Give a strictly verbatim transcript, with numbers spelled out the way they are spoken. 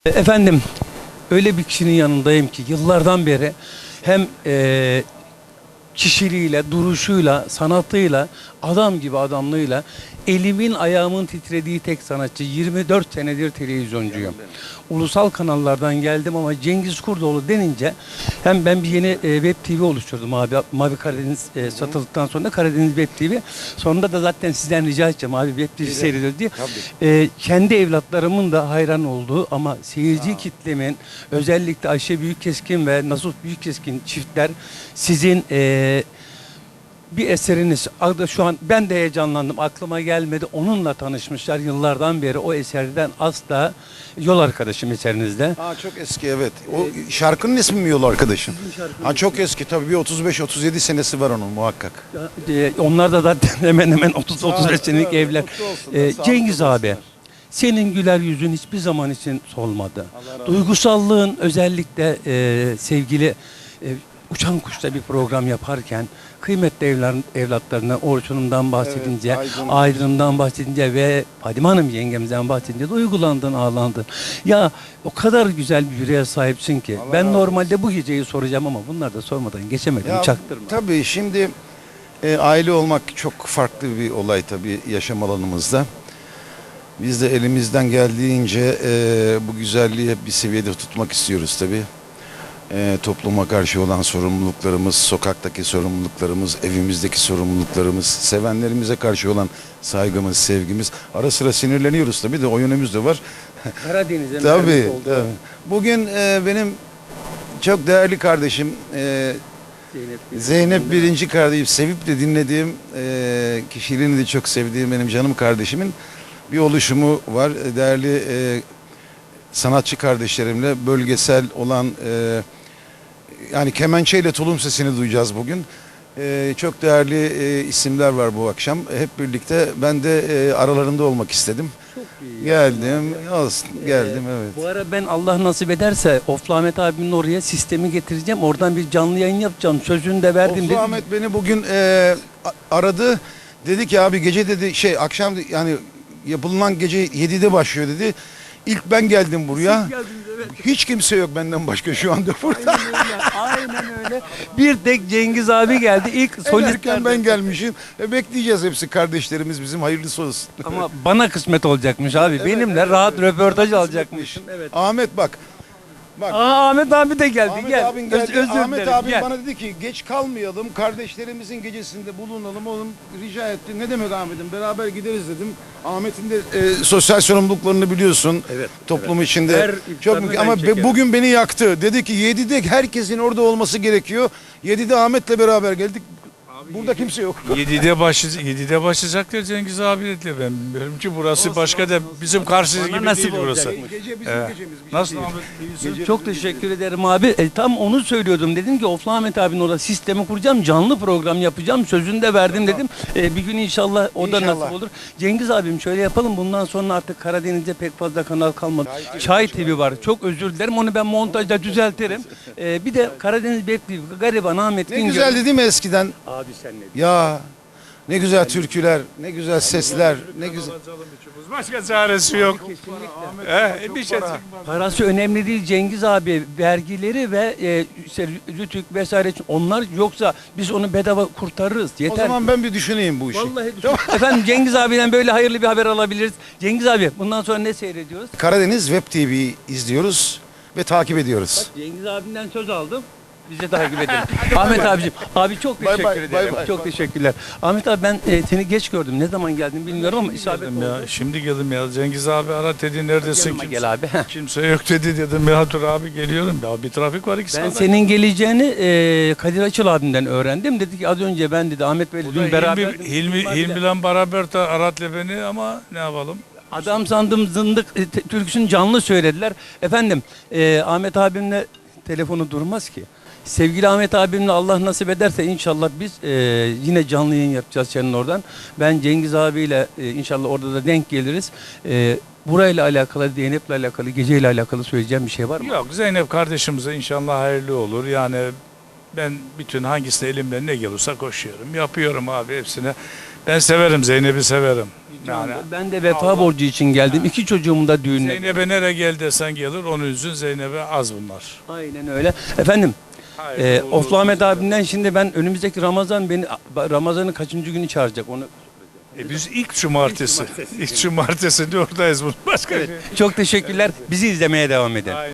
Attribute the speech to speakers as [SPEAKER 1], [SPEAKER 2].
[SPEAKER 1] Efendim, öyle bir kişinin yanındayım ki yıllardan beri hem e, kişiliğiyle, duruşuyla, sanatıyla, adam gibi adamlığıyla elimin ayağımın titrediği tek sanatçı. yirmi dört senedir televizyoncuyum. Ulusal kanallardan geldim ama Cengiz Kurdoğlu denince hem ben bir yeni e, web T V oluşturdum abi. Mavi Karadeniz e, satıldıktan sonra Karadeniz Web T V. Sonunda da zaten sizden rica edeceğim abi web T V seyrediyor diye. E, kendi evlatlarımın da hayran olduğu ama seyirci kitlemin özellikle Ayşe Büyükkeskin ve Nasuh Büyükkeskin çiftler sizin e, bir eseriniz adı şu an ben de heyecanlandım, aklıma gelmedi, onunla tanışmışlar yıllardan beri. O eserden asla yol arkadaşım eserinizde.
[SPEAKER 2] Ha, çok eski, evet. O şarkının ismi mi Yol Arkadaşım? Ha, çok eski tabii, bir otuz beş otuz yedi senesi var onun muhakkak.
[SPEAKER 1] E, onlar da zaten hemen hemen otuz otuz beş senelik evler. E, Cengiz abi, senin güler yüzün hiçbir zaman için solmadı. Duygusallığın özellikle e, sevgili e, Uçan Kuş'ta bir program yaparken kıymetli evler, evlatlarına Orçun'umdan bahsedince, evet, Aydın. Aydın'dan bahsedince ve Fadime Hanım yengemizden bahsedince duygulandın, ağlandın. Ya o kadar güzel bir yüreğe sahipsin ki. Allah ben normalde olsun. Bu geceyi soracağım ama bunlar da sormadan geçemedim. Ya, çaktırma.
[SPEAKER 2] Tabii şimdi e, aile olmak çok farklı bir olay tabii yaşam alanımızda. Biz de elimizden geldiğince e, bu güzelliği hep bir seviyede tutmak istiyoruz tabii. E, topluma karşı olan sorumluluklarımız, sokaktaki sorumluluklarımız, evimizdeki sorumluluklarımız, sevenlerimize karşı olan saygımız, sevgimiz. Ara sıra sinirleniyoruz tabii de o yönümüz de var.
[SPEAKER 1] Karadeniz'e
[SPEAKER 2] tabii, tabii. Bugün e, benim çok değerli kardeşim e, Zeynep, Zeynep birinci kardeşim, sevip de dinlediğim, e, kişiliğini de çok sevdiğim benim canım kardeşimin bir oluşumu var. Değerli e, sanatçı kardeşlerimle bölgesel olan e, yani kemençeyle tulum sesini duyacağız bugün. E, çok değerli e, isimler var bu akşam. Hep birlikte ben de e, aralarında olmak istedim.
[SPEAKER 1] Çok iyi.
[SPEAKER 2] Geldim, olsun, geldim
[SPEAKER 1] ee,
[SPEAKER 2] evet.
[SPEAKER 1] Bu ara ben Allah nasip ederse Oflu Ahmet abimin oraya sistemi getireceğim. Oradan bir canlı yayın yapacağım. Sözünü de verdim.
[SPEAKER 2] Oflu Ahmet beni bugün e, aradı. Dedi ki abi gece dedi şey akşam yani yapılan gece yedide başlıyor dedi. İlk ben geldim buraya. Geldiniz, evet. Hiç kimse yok benden başka şu anda burada.
[SPEAKER 1] Aynen öyle. Aynen öyle. Bir tek Cengiz abi geldi. İlk
[SPEAKER 2] solistken ben gelmişim. E, bekleyeceğiz hepsi kardeşlerimiz bizim, hayırlısı olsun.
[SPEAKER 1] Ama bana kısmet olacakmış abi. Evet, benimle evet, rahat evet, röportaj alacakmışım.
[SPEAKER 2] Evet. Ahmet bak. Bak.
[SPEAKER 1] Aa, Ahmet abi de geldi.
[SPEAKER 2] Ahmet
[SPEAKER 1] gel.
[SPEAKER 2] abin geldi.
[SPEAKER 1] Öz, özür
[SPEAKER 2] Ahmet
[SPEAKER 1] dilerim.
[SPEAKER 2] abi
[SPEAKER 1] gel.
[SPEAKER 2] bana dedi ki geç kalmayalım. Kardeşlerimizin gecesinde bulunalım. Oğlum rica etti. Ne demek Ahmet'im? Beraber gideriz dedim. Ahmet'in de e, sosyal sorumluluklarını biliyorsun. Evet. Toplum evet. içinde. Her çok ama be, bugün beni yaktı. Dedi ki yedide herkesin orada olması gerekiyor. yedide Ahmet'le beraber geldik. Burada kimse yok.
[SPEAKER 3] yedide başlayacak, yedide başlayacak diyor Cengiz abi dedi. Ben bilmiyorum ki burası olsun, başka olsun, da bizim karşımız gibi değil burası.
[SPEAKER 2] Gece bizim
[SPEAKER 3] evet.
[SPEAKER 2] gecemiz.
[SPEAKER 3] Nasıl Ahmet?
[SPEAKER 1] Gece çok teşekkür gece. ederim abi. E, tam onu söylüyordum. Dedim ki Oflu Ahmet abinin orada sistemi kuracağım. Canlı program yapacağım. Sözünü de verdim dedim. E, bir gün inşallah o da inşallah. nasip olur. Cengiz abim şöyle yapalım. Bundan sonra artık Karadeniz'de pek fazla kanal kalmadı. Çay, Çay T V var. Çok özür dilerim. Onu ben montajda düzeltirim. E, bir de Karadeniz Web T V. Gariban Ahmet
[SPEAKER 2] Ne güzeldi değil mi eskiden?
[SPEAKER 1] Abi sen ne?
[SPEAKER 2] Ya ne güzel türküler, ne güzel sesler, ne güzel.
[SPEAKER 3] Başka çaresi yok.
[SPEAKER 1] He, bir şey. Parası önemli değil Cengiz abi. Vergileri ve e, işte rütük vesaire onlar yoksa biz onu bedava kurtarırız. Yeter.
[SPEAKER 2] O zaman ben bir düşüneyim bu işi.
[SPEAKER 1] Vallahi düşün. Efendim Cengiz abiden böyle hayırlı bir haber alabiliriz. Cengiz abi bundan sonra ne seyrediyoruz?
[SPEAKER 2] Karadeniz Web T V izliyoruz ve takip ediyoruz.
[SPEAKER 1] Bak, Cengiz abimden söz aldım. Biz de takip edelim. Ahmet abicim, abi çok teşekkür bye bye, ederim. Bye bye, çok bye. teşekkürler. Ahmet abi ben e, seni geç gördüm. Ne zaman geldin bilmiyorum ama isabet oldu.
[SPEAKER 3] Ya, şimdi geldim ya. Cengiz abi ara dedi neredesin?
[SPEAKER 1] Yanıma
[SPEAKER 3] Kimse,
[SPEAKER 1] gel abi.
[SPEAKER 3] kimse yok dedi dedim ya dur abi geliyorum. Ya bir trafik var iki
[SPEAKER 1] Ben
[SPEAKER 3] saat.
[SPEAKER 1] senin geleceğini e, Kadir Açıl abimden öğrendim. Dedi ki az önce ben dedi Ahmet Bey'le dün beraber.
[SPEAKER 3] Hilmi, Hilmi, Hilmi'yle beraber de Arat'la beni ama ne yapalım?
[SPEAKER 1] Adam sandım zındık e, türküsünü canlı söylediler. Efendim e, Ahmet abimle telefonu durmaz ki. Sevgili Ahmet abimle Allah nasip ederse inşallah biz e, yine canlı yayın yapacağız senin oradan. Ben Cengiz abiyle e, inşallah orada da denk geliriz. E, burayla alakalı, Zeynep'le alakalı, geceyle alakalı söyleyeceğim bir şey var mı?
[SPEAKER 3] Yok, Zeynep kardeşimize inşallah hayırlı olur. Yani ben bütün hangisine elimden ne gelirse koşuyorum. Yapıyorum abi hepsine. Ben severim, Zeynep'i severim. Yani
[SPEAKER 1] Ben de vefa
[SPEAKER 3] Allah-
[SPEAKER 1] borcu için geldim. İki çocuğumun da düğününe.
[SPEAKER 3] Zeynep'e nereye gel desen gelir, onun yüzün Zeynep'e az bunlar.
[SPEAKER 1] Aynen öyle. Efendim,
[SPEAKER 3] Hayır,
[SPEAKER 1] e,
[SPEAKER 3] olur,
[SPEAKER 1] Oflu Ahmet
[SPEAKER 3] olur.
[SPEAKER 1] abimden şimdi ben önümüzdeki Ramazan beni Ramazan'ın kaçıncı günü çağıracak onu.
[SPEAKER 3] E biz ilk cumartesi, ilk cumartesinde oradayız bunun başka
[SPEAKER 1] Evet.
[SPEAKER 3] şey.
[SPEAKER 1] Çok teşekkürler. Bizi izlemeye devam edin.
[SPEAKER 3] Aynen.